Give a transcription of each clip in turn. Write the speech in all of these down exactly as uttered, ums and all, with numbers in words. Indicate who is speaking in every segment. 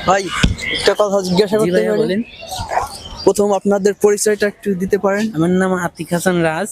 Speaker 1: ভাই একটা কথা জিজ্ঞাসা
Speaker 2: জি
Speaker 1: করতে
Speaker 2: ভাইয়া
Speaker 1: পারি?
Speaker 2: বলেন।
Speaker 1: প্রথম আপনাদের পরিচয়টা একটু দিতে পারেন?
Speaker 2: আমার নাম আতিক হাসান রাজ,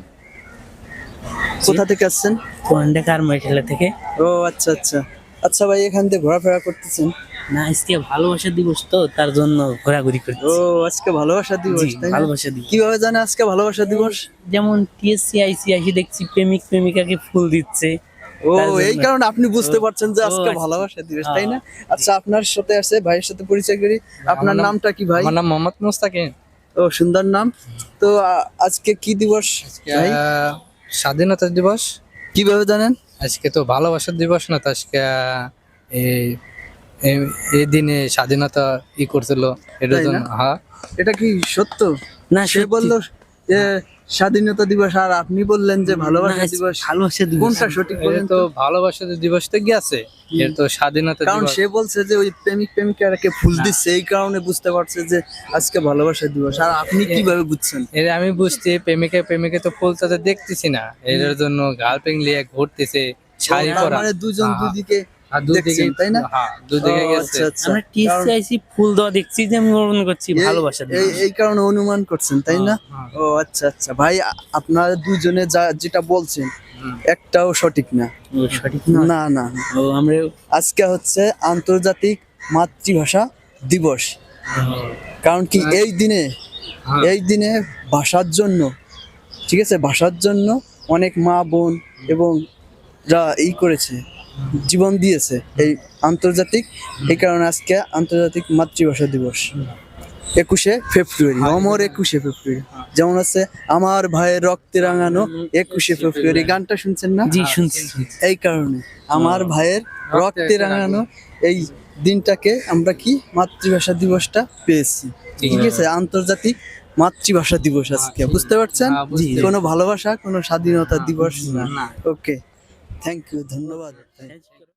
Speaker 1: কোথা থেকে আসছেন?
Speaker 2: পুরান কারমাইকেলা থেকে।
Speaker 1: ও আচ্ছা আচ্ছা আচ্ছা ভাই, এখান থেকে ঘোরাফেরা করতেছেন?
Speaker 2: না, আজকে ভালোবাসা দিবস তো, তার জন্য ঘোরাঘুরি
Speaker 1: ও
Speaker 2: করতেছি।
Speaker 1: আজকে ভালোবাসা দিবস,
Speaker 2: জি,
Speaker 1: তাই না?
Speaker 2: ভালোবাসা দিবস।
Speaker 1: কিভাবে জানে আজকে ভালোবাসা দিবস?
Speaker 2: যেমন টিএসসি আইসি আইসি দেখছি প্রেমিক প্রেমিকাকে ফুল দিচ্ছে।
Speaker 1: ও
Speaker 2: তার জন্য।
Speaker 1: এই কারণে আপনি বুঝতে
Speaker 2: ও,
Speaker 1: পারছেন যে
Speaker 2: ও,
Speaker 1: আজকে
Speaker 2: আচ্ছা।
Speaker 1: ভালোবাসা দিবস,
Speaker 2: হ্যাঁ,
Speaker 1: তাই না? আচ্ছা, আপনার সাথে আছে ভাইয়ের সাথে পরিচয় করি। আপনার
Speaker 3: নাম-
Speaker 1: নামটা কি ভাই?
Speaker 3: আমার নাম মোহাম্মদ মুস্তাকিম।
Speaker 1: ও সুন্দর নাম। তো আ- আজকে কি দিবস ভাই?
Speaker 3: আহ, স্বাধীনতা দিবস।
Speaker 1: কিভাবে জানেন?
Speaker 3: আজকে তো ভালোবাসার দিবস না, তো আজকে আহ, এই এই- এই দিনে স্বাধীনতা ই করছিল এটার
Speaker 1: তাই
Speaker 3: জন্য।
Speaker 1: না?
Speaker 3: হ্যাঁ,
Speaker 1: এটা কি সত্য?
Speaker 2: না,
Speaker 1: সে
Speaker 2: সত্যি।
Speaker 1: বলল যে স্বাধীনতা দিবস, আর আপনি বললেন যে ভালোবাসা
Speaker 2: না,
Speaker 1: দিবস।
Speaker 2: ভালোবাসা দিবস।
Speaker 1: কোনটা সঠিক
Speaker 3: এটা
Speaker 1: বলেন
Speaker 3: তো
Speaker 1: তো?
Speaker 3: ভালোবাসার দিবস তো গেছে, এর তো স্বাধীনতা
Speaker 1: কারণ
Speaker 3: দিবস।
Speaker 1: সে বলছে যে ওই প্রেমিক প্রেমিকাকে ফুল
Speaker 3: না।
Speaker 1: দিচ্ছে, এই কারণে বুঝতে পারছে যে আজকে ভালোবাসা দিবস। আর আপনি কিভাবে বুঝছেন?
Speaker 3: এর আমি বুঝছি প্রেমিকা প্রেমিকা তো ফুল তাদের দেখতেছি না, এর জন্য গার্লফ্রেন্ড নিয়ে ঘুরতেছে শাড়ি
Speaker 1: তার
Speaker 3: পরা।
Speaker 1: মানে দুজন
Speaker 3: হ্যাঁ,
Speaker 1: দুদিকে
Speaker 3: আর দুদিকে,
Speaker 1: দেখছেন, তাই না?
Speaker 3: হ্যাঁ দুদিকে
Speaker 1: ও,
Speaker 3: গেছে।
Speaker 1: আচ্ছা আচ্ছা।
Speaker 2: আমরা টিএসসি আইসি ফুল দেওয়া দেখছি, যে আমি মনে করছি
Speaker 1: এই-
Speaker 2: ভালোবাসা
Speaker 1: এই
Speaker 2: দিবস।
Speaker 1: এই কারণে অনুমান করছেন, তাই না?
Speaker 3: হ্যাঁ,
Speaker 1: ও আচ্ছা আচ্ছা ভাই, আ- আপনারা দুজনে যা যেটা বলছেন
Speaker 3: হুম।
Speaker 1: একটাও সঠিক না।
Speaker 2: ও, সঠিক না।
Speaker 1: না না না।
Speaker 2: ও, আমরা
Speaker 1: আজকে হচ্ছে আন্তর্জাতিক মাতৃভাষা দিবস। কারণ কি এই দিনে
Speaker 3: হ্যাঁ।
Speaker 1: এই দিনে ভাষার জন্য, ঠিক আছে, ভাষার জন্য অনেক মা বোন এবং যা এই করেছে, জীবন দিয়েছে এই আন্তর্জাতিক, এই কারণে আজকে আন্তর্জাতিক মাতৃভাষা দিবস একুশে ফেব্রুয়ারি, অমর একুশে ফেব্রুয়ারি। যেমন আছে আমার ভাইয়ের রক্তে রাঙানো একুশে ফেব্রুয়ারি, গানটা শুনছেন না?
Speaker 2: জি শুনছি শুনছি।
Speaker 1: এই কারণে আমার ভাইয়ের রক্তে রাঙানো এই দিনটাকে আমরা কি মাতৃভাষা দিবসটা পেয়েছি, ঠিক আছে? আন্তর্জাতিক মাতৃভাষা দিবস আজকে, বুঝতে পারছেন?
Speaker 3: হ্যাঁ, বুঝতে
Speaker 1: জি, কোনো ভালোবাসা, কোনো স্বাধীনতা দিবস না।
Speaker 3: না।
Speaker 1: ওকে, থ্যাংক ইউ, ধন্যবাদ।